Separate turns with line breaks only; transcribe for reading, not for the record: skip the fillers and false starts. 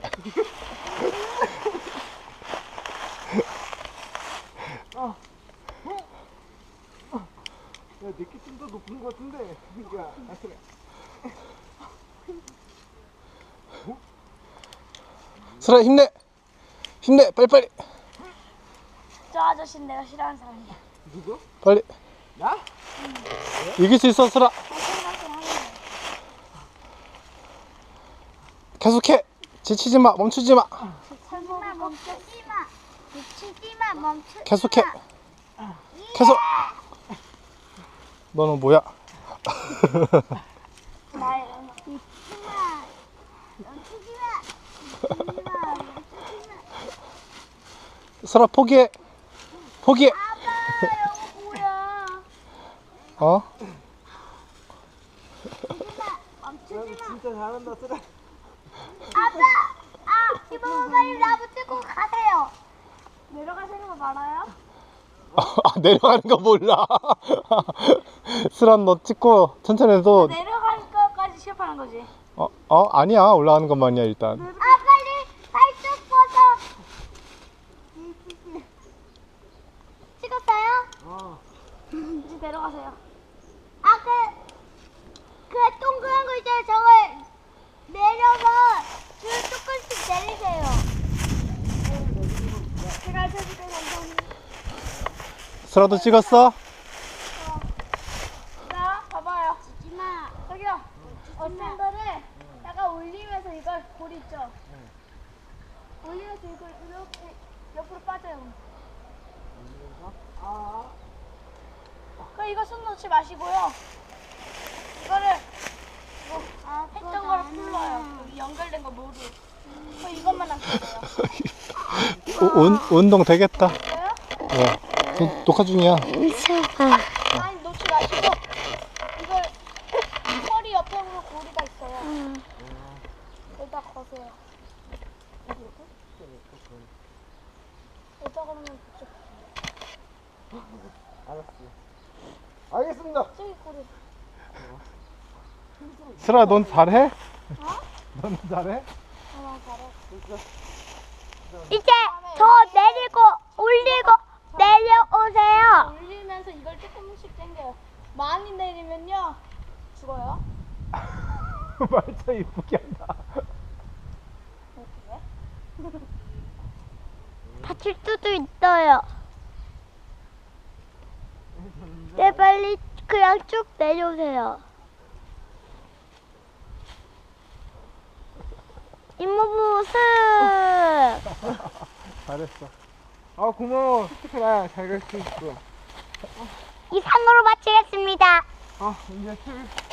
야, 내게 좀 더 높은 것 같은데. 야, 그래.
슬아 힘내. 힘내. 빨리빨리.
저 아저씨는 내가 싫어하는 사람이야.
누구?
빨리.
나?
이길 수 있어 슬아. 계속해. 지치지 마. 멈추지 마.
멈추지 마. 미치지 마. 멈추지 마.
계속해. 계속. 너는 뭐야?
나의 미치지 마. 멈추지 마. 미치지 마. 멈추지 마.
슬아 포기해. 포기해.
아빠 이거 뭐야?
어?
멈추지 마.
진짜 잘한다, 쓰라.
아빠! 이모부 빨리 나부터 가세요. 내려가시는 거 말아요?
아, 내려가는 거 몰라. 슬아 너 찍고 천천히 해도.
내려갈 거까지 시합하는 거지.
아니야. 올라가는 것만이야 일단.
빨리 발톱 벗어. 찍었어요? 이제 내려가세요. 그 동그란 거 있잖아요. 저걸 내려서 줄 조금씩 내리세요. 제가 해줄게요. 감사합니다.
슬아도 찍었어?
자, 봐봐요. 지지마. 저기요. 어센더를 약간 올리면서 이걸 골 있죠? 올리면서 이걸 이렇게 옆으로 빠져요. 그럼 이거 손 놓지 마시고요. 이거를 했던 거를 풀러요. 여기 연결된 거 모두. 그럼 이것만 남겨요.
운동 되겠다.
됐어요?
녹화 중이야.
아니 놓지 마시고 이걸 허리 옆으로 고리가 있어요. 여기다 거세요. 여기다 거면 그쪽.
알았어. 알겠습니다.
저기 고리.
슬아 넌 잘해?
넌 잘해?
잘해.
이제 더 내리고 올리고 내려오세요.
올리면서 이걸 조금씩 당겨요. 많이 내리면요 죽어요.
말차 이쁘게 한다.
다칠 수도 있어요. 네, 빨리 그냥 쭉 내려오세요. 이모부 슥.
잘했어. 아, 고마워. 스티커 나야. 잘 갈 수 있어.
이상으로 마치겠습니다.
이제 TV